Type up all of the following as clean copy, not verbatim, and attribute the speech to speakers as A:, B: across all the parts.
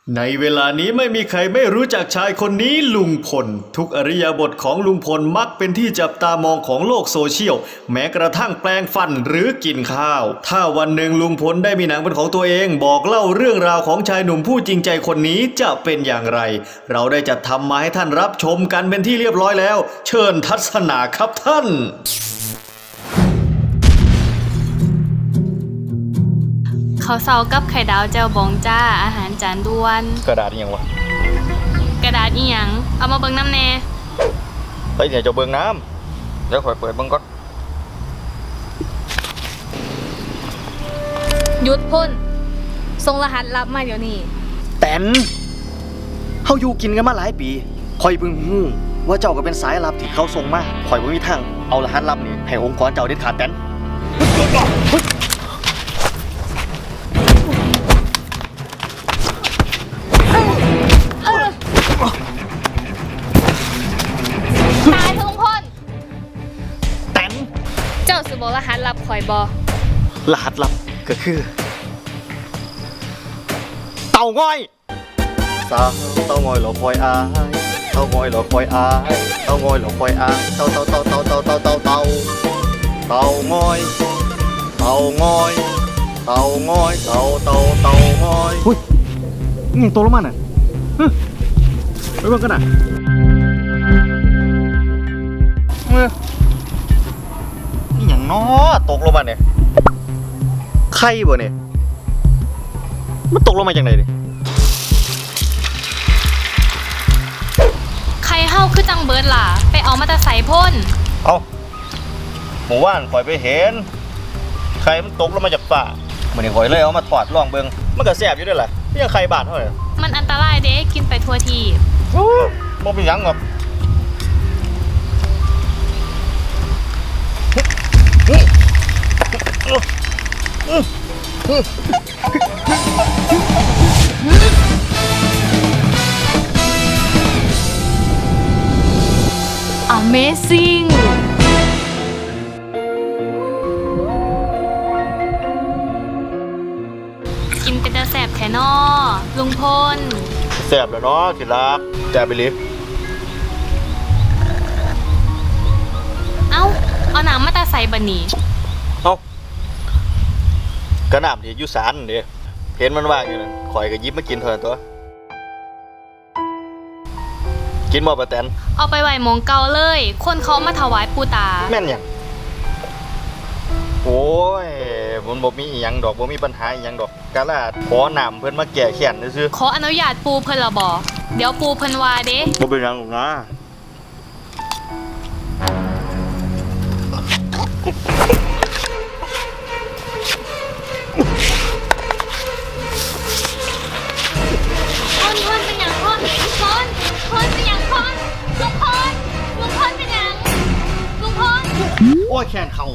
A: ในเวลานี้ไม่มีใครไม่รู้จักชายคนนี้ลุงพลทุกอริยบทของลุงพลมักเป็นที่จับตามองของโลกโซเชียลแม้กระทั่งแปลงฟันหรือกินข้าวถ้าวันหนึ่งลุงพลได้มีหนังเป็นของตัวเองบอกเล่าเรื่องราวของชายหนุ่มผู้จริงใจคนนี้จะเป็นอย่างไรเราได้จัดทำมาให้ท่านรับชมกันเป็นที่เรียบร้อยแล้วเชิญทัศนาครับท่าน
B: ข้าวเซากับไข่ดาวแจ่วบองจ้าอาหารจานด่วน
A: กระดาษยังวะ
B: กระดาษอีหยังเอามาเบิ่งน้ำแน่
A: ไปเนี่ยจะเบิ่งน้ำแล้วค่อยเปิดเบิ่งก่อน
B: หยุดพ่นส่งรหัสลับมาเดี๋ยวนี้
C: แตนเฮาอยู่กินกันมาหลายปีคอยเพิ่งฮู้ว่าเจ้าก็เป็นสายลับที่เขาส่งมาคอยบ่มีทางเอารหัสลับนี่ให้องค์กรเจ้าเด็ดขาดแตน
B: ตายทุกคน
C: แตน
B: เจ้าสิบอกรหัสลับข่อยบ่
C: รหัสลับก็คือเต่างอยสาวเต่างอยหลอกคอยอายเต่างอยหลอกคอยอายเต่างอยหลอกคอยอายเต่างอยเต่างอยเต่างอยหุ้ยนี่ตัวละมันอ่ะไปบ้างกันอ่ะนี่อย่างน้อตกลงมาเนี่ยไข่บ่เนี่ยมันตกลงมาจากไหนดิ
B: ใครเฮาคือจังเบิร์ดล่ะไปเอามาแต่ใส่พ่น
A: เอาหมู่บ้านข่อยไปเห็นไข่มันตกลงมาจากฟ้ามื้อนี้ข่อยเลยเอามาทอดลองเบิ่งมันก็แซ่บอยู่ด้วยล่ะไม่ยังไข่บาดเท่าไหร่
B: มันอันตรายเด้กินไปทั่วที
A: บ่เป็นหยังหรอก
B: Amazing กินเป็นตาแสบแท้นอลุงพล
A: แซ่บแล้วเนาะที่รักแซ่บไปลิ
B: เอาหนังมาตาใส่บันนี่
A: กระหน่ำที่อยู่ศาลนี่เห็นมันว่างอยู่นั่นข่อยก็หยิบมากินเท่านั้นตัวกินบ่ปะแตน
B: เอาไปไหวหมองเก่าเลยคนเขามาถวายปูตา
A: แม่นหยังโอ้ยมันบ่มีอีหยังดอกบ่มีปัญหาอีหยังดอกกะลาขอน้ำเพิ่นมาแก้แค้นซื่อ
B: ขออนุญาตปูเพิ่นละบ่เดี๋ยวปูเพิ่นว่าเด้
A: บ่เป็นหยังหรอกนะ
B: พ่นเป็นหยังพ่นเป็นหยังพ่นลุงพลเป็นหยังลุงพล
C: โอ้ยแขนเขา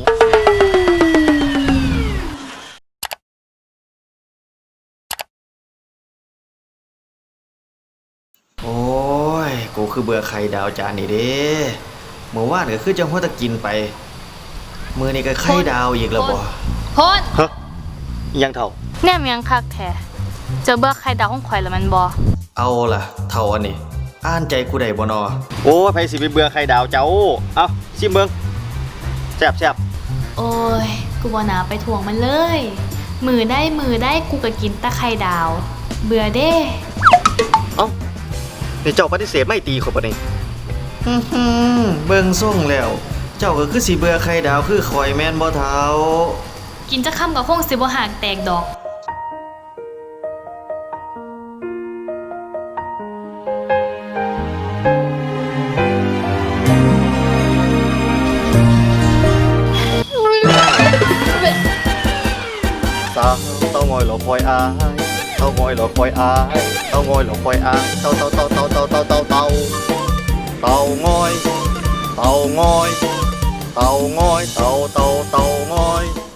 A: โอ้ยกูคือเบื่อไข่ดาวจานนี่เด้เมื่อวานก็คือจังหัวตะกินไปมื้อนี้ก็ไข่ดาวอีกแล้วบ่
B: พ่น
C: ฮะยังเท่า
B: แนมยังคักแท้เจอเบื่อไข่ดาวของข่อยแล้วมันบ่
A: เอาล่ะเท่าอันนี้อ่านใจกูได้บ่นอ
C: โอ้ยไผสิไปเบื่อไข่ดาวเจ้าเอาชิมเบิ่งแซ่บ
B: โอ้ยกูบ่น่าไปทวงมันเลยมือได้กูก็กินแต่ไข่ดาวเบื่อเด้
C: เอ้านี่เจ้าปฏิเสธไม่ตีข่อยบ่นี่
A: เบิ่งส่งแล้วเจ้าก็คือสิเบื่อไข่ดาวคือข่อยแม่นบ่เฒ่า
B: กินจะค่ำก็คงสิบ่หากแตกดอก
C: สาวเต่างอยหลอกคอยอายเต่างอยหลอกคอยอายเต่างอยหลอกคอยอายเต่างอยเต่างอยเต่างอย